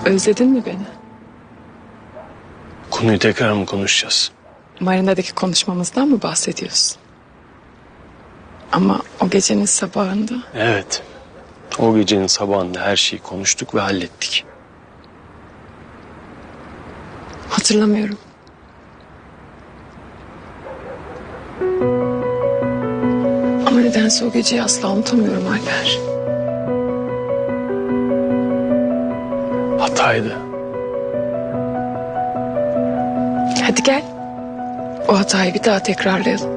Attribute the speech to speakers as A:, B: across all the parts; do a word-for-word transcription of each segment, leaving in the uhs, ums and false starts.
A: Özledin mi beni?
B: Konuyu tekrar mı konuşacağız?
A: Marina'daki konuşmamızdan mı bahsediyorsun? Ama o gecenin sabahında...
B: Evet. O gecenin sabahında her şeyi konuştuk ve hallettik.
A: Hatırlamıyorum. Ama nedense o geceyi asla unutamıyorum Alper.
B: Hataydı.
A: Hadi gel. O hatayı bir daha tekrarlayalım.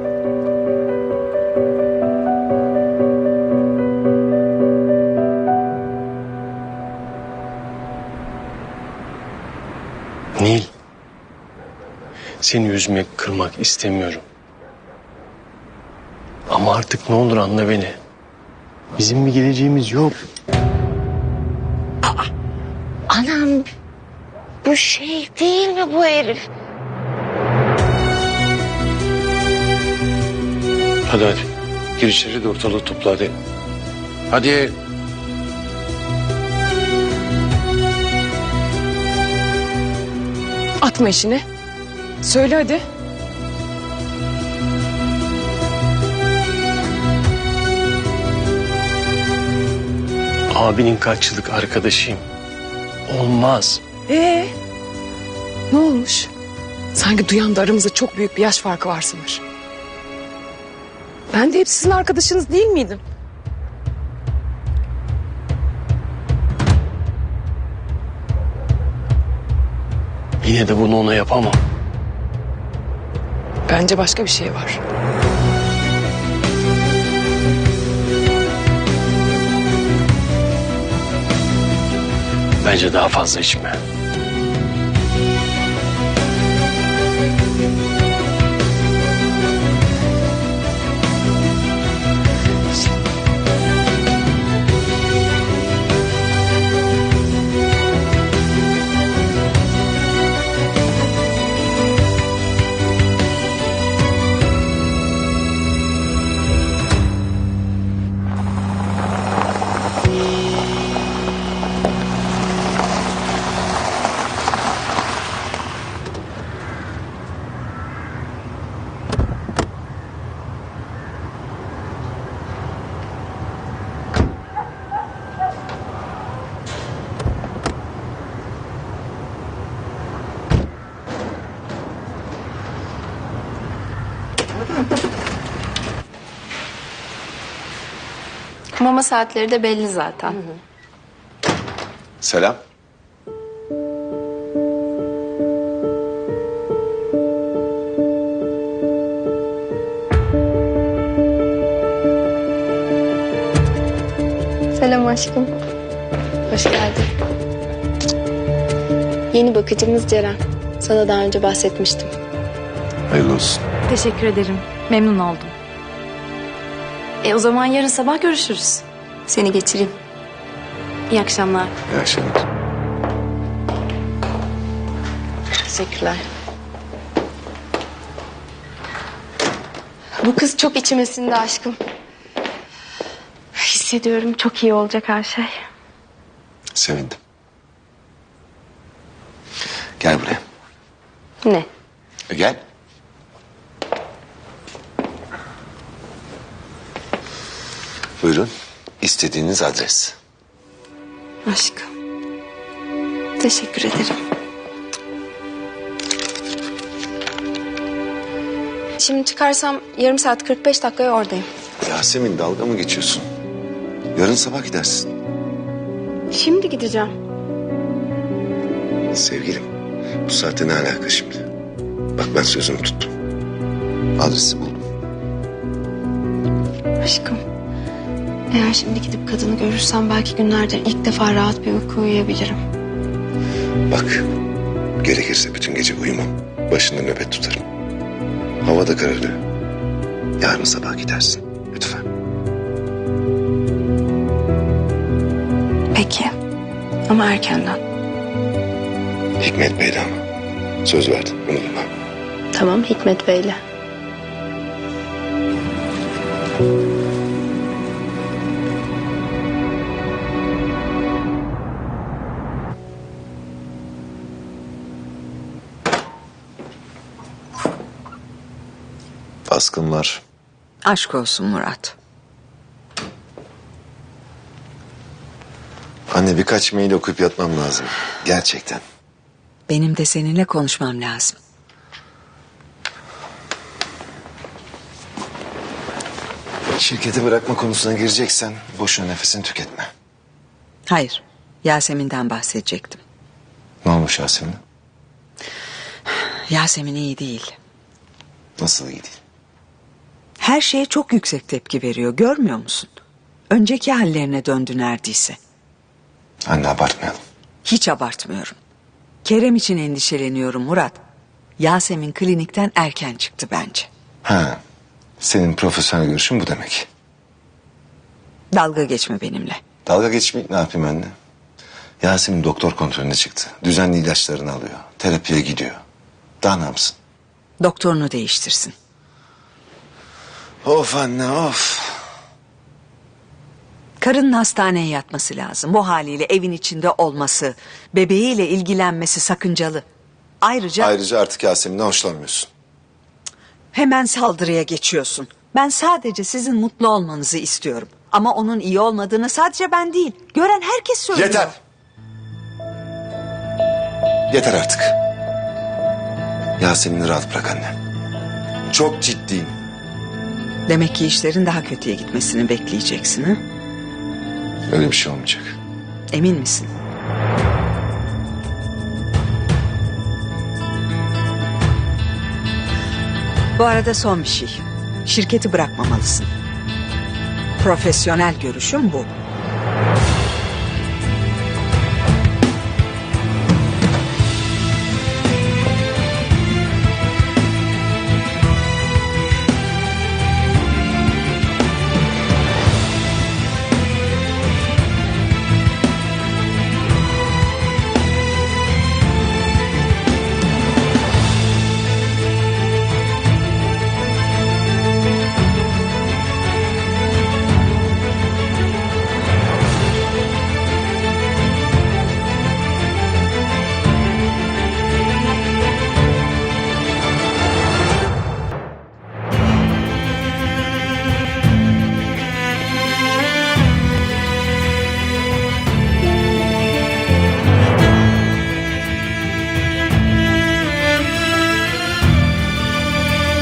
B: Nil. Seni üzmek, kırmak istemiyorum. Ama artık ne olur anla beni. Bizim bir geleceğimiz yok.
C: Anam, bu şey değil mi bu herif?
B: Hadi hadi. Gir içeri de ortalığı topla hadi. Hadi.
A: Atma işini. Söyle hadi.
B: Abinin kaç yıllık arkadaşıyım. Olmaz.
A: Ee, ne olmuş? Sanki duyan da aramızda çok büyük bir yaş farkı var sanır. Ben de hep sizin arkadaşınız değil miydim?
B: Yine de bunu ona yapamam.
A: Bence başka bir şey var.
B: Bence daha fazla içme.
D: Mama saatleri de belli zaten. Hı hı.
E: Selam.
D: Selam aşkım. Hoş geldin. Yeni bakıcımız Ceren. Sana daha önce bahsetmiştim.
E: Hayırlı olsun.
F: Teşekkür ederim. Memnun oldum. E o zaman yarın sabah görüşürüz.
D: Seni geçireyim. İyi akşamlar.
E: İyi akşamlar.
D: Teşekkürler. Bu kız çok içime sindi aşkım. Hissediyorum çok iyi olacak her şey.
E: Sevindim. Gel buraya.
D: Ne?
E: E, Gel. Buyurun. İstediğiniz adres.
D: Aşkım. Teşekkür ederim. Şimdi çıkarsam yarım saat kırk beş dakikaya oradayım.
E: Yasemin, dalga mı geçiyorsun? Yarın sabah gidersin.
D: Şimdi gideceğim.
E: Sevgilim, bu saatte ne alaka şimdi? Bak ben sözümü tuttum. Adresi buldum.
D: Aşkım. Eğer şimdi gidip kadını görürsem belki günlerdir ilk defa rahat bir uyku uyuyabilirim.
E: Bak, gerekirse bütün gece uyumam. Başında nöbet tutarım. Hava da kararıyor. Yarın sabah gidersin. Lütfen.
D: Peki. Ama erkenden.
E: Hikmet Bey'le ama. Söz verdim, unutma.
D: Tamam Hikmet Bey'le.
E: baskın var.
G: Aşk olsun Murat.
E: Anne birkaç mail okuyup yatmam lazım. Gerçekten.
G: Benim de seninle konuşmam lazım.
E: Şirketi bırakma konusuna gireceksen boşuna nefesini tüketme.
G: Hayır, Yasemin'den bahsedecektim.
E: Ne olmuş Yasemin?
G: Yasemin iyi değil.
E: Nasıl iyi değil?
G: Her şeye çok yüksek tepki veriyor, görmüyor musun? Önceki hallerine döndü neredeyse.
E: Anne abartmayalım.
G: Hiç abartmıyorum. Kerem için endişeleniyorum Murat. Yasemin klinikten erken çıktı bence.
E: Ha, senin profesyonel görüşün bu demek.
G: Dalga geçme benimle.
E: Dalga geçmeyip ne yapayım anne? Yasemin doktor kontrolüne çıktı. Düzenli ilaçlarını alıyor. Terapiye gidiyor. Daha ne yapsın?
G: Doktorunu değiştirsin.
E: Of anne of.
G: Karının hastaneye yatması lazım. Bu haliyle evin içinde olması, bebeğiyle ilgilenmesi sakıncalı. Ayrıca
E: Ayrıca artık Yasemin'den hoşlanmıyorsun.
G: hemen saldırıya geçiyorsun. Ben sadece sizin mutlu olmanızı istiyorum. Ama onun iyi olmadığını sadece ben değil, gören herkes söylüyor.
E: Yeter. Yeter artık. Yasemin'i rahat bırak anne. Çok ciddiyim.
G: Demek ki işlerin daha kötüye gitmesini bekleyeceksin ha?
E: Öyle bir şey olmayacak.
G: Emin misin? Bu arada son bir şey. Şirketi bırakmamalısın. Profesyonel görüşüm bu.